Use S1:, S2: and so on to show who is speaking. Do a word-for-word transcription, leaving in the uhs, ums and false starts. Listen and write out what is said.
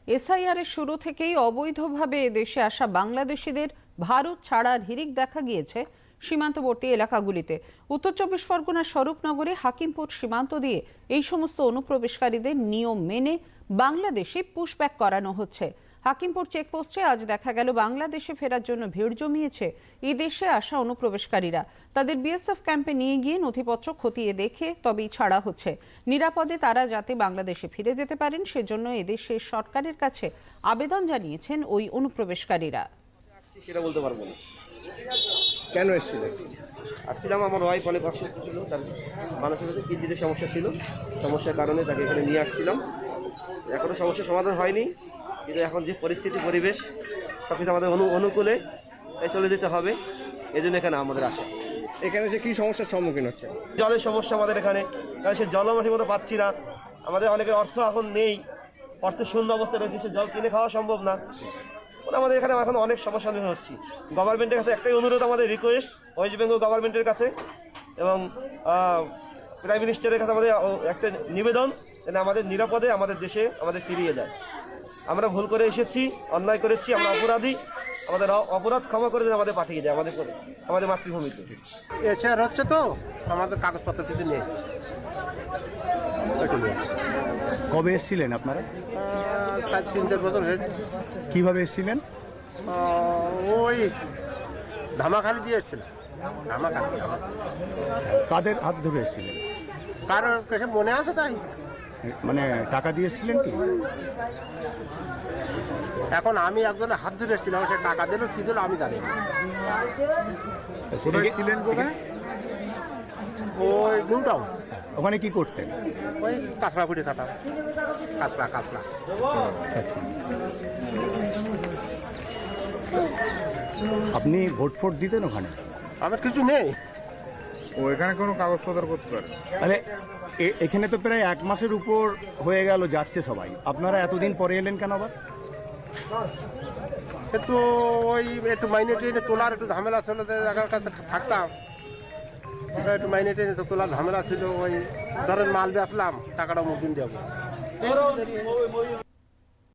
S1: SIR এর শুরু থেকেই অবৈধভাবে দেশে আসা বাংলাদেশিদের ভারত ছাড়ার হিড়িক দেখা গিয়েছে সীমান্তবর্তী এলাকাগুলিতে। উত্তর চব্বিশ পরগনার স্বরূপনগরে হাকিমপুর সীমান্ত দিয়ে এই সমস্ত অনুপ্রবেশকারীদের নিয়ম মেনে বাংলাদেশে পুশব্যাক করানো হচ্ছে। হাকিমপুর চেকপোস্টে আজ দেখা গেল বাংলাদেশে ফেরার জন্য ভিড় জমিয়েছে এই দেশে আসা অনুপ্রবেশকারীরা। তাদের বিএসএফ ক্যাম্পে নিয়ে গিয়ে নথিপত্র খতিয়ে দেখে তবেই ছাড়া হচ্ছে। নিরাপদে তারা যাতে বাংলাদেশে ফিরে যেতে পারেন সেজন্য এদেশের সরকারের কাছে আবেদন জানিয়েছেন ওই অনুপ্রবেশকারীরা।
S2: সেটা বলতে পারবো না।
S3: কেন এসেছিলেন?
S2: আসছিলাম, আমার ওয়াইফ অনেক অসুস্থ ছিল, তার মানুষের কাছে কিডনির সমস্যা ছিল, সমস্যার কারণে তাকে এখানে নিয়ে আসছিলাম। এখনও সমস্যার সমাধান হয়নি, কিন্তু এখন যে পরিস্থিতি পরিবেশ সব কিছু আমাদের অনু অনুকূলে তাই চলে যেতে হবে, এই জন্য এখানে আমাদের আসা।
S3: এখানে যে কী সমস্যার সম্মুখীন হচ্ছে?
S2: জলের সমস্যা আমাদের এখানে, কারণ সে জলও ঠিক মতো পাচ্ছি না। আমাদের অনেকের অর্থ এখন নেই, অর্থের শূন্য অবস্থা রয়েছে, সে জল কিনে খাওয়া সম্ভব না। আমাদের এখানে এখন অনেক সমস্যা হচ্ছি। গভর্নমেন্টের কাছে একটাই অনুরোধ, আমাদের রিকোয়েস্ট ওয়েস্ট বেঙ্গল গভর্নমেন্টের কাছে এবং প্রাইম মিনিস্টারের কাছে আমাদের একটা নিবেদন, যেন আমাদের নিরাপদে আমাদের দেশে আমাদের ফিরিয়ে যায়। আমরা ভুল করে এসেছি, অন্যায় করেছি, আমরা অপরাধী, আমাদের অপরাধ ক্ষমা করে যেন আমাদের পাঠিয়ে যায় আমাদের করে আমাদের মাতৃভূমিতে।
S4: এছাড় হচ্ছে তো আমাদের কাগজপত্র কিছু নেই।
S5: কবে এসেছিলেন আপনারা?
S4: চার তিন চার বছর হয়েছে।
S5: কিভাবে এসেছিলেন?
S4: ওই ধামাখালি দিয়ে এসেছিলাম। ধামাখালি
S5: কাদের হাত ধরে এসেছিলেন?
S4: কারণ কাছে মনে আছে তাই,
S5: মানে টাকা দিয়ে এসেছিলেন কি?
S4: এখন আমি একজনের হাত ধরে এসেছিলাম, সে টাকা দিল কি দিল আমি জানি না।
S5: ছিলেন কোথায়?
S4: ওই নিউ টাউন।
S5: ওখানে কি করতেন?
S4: ওই কাঁচড়া ফুটে খাতাম, কাঁচড়া কাঁচড়া।
S5: আপনি ভোট ফোট দিতেন ওখানে?
S4: আমার কিছু নেই।
S3: ও এখানে কোনো কাগজপত্র করতে পারে?
S5: তাহলে এখানে তো প্রায় এক মাসের উপর হয়ে গেল যাচ্ছে সবাই, আপনারা এতদিন পরে এলেন কেন আবার?
S4: একটু ওই একটু মাইনে ট্রেনে তোলার একটু ঝামেলা ছিল, জায়গার কাছে থাকতাম, একটু মাইনে ট্রেনে তো তোলার ঝামেলা ছিল। ওই ধরেন মাল বেচলাম, টাকাটা মুখ দিন যাবো।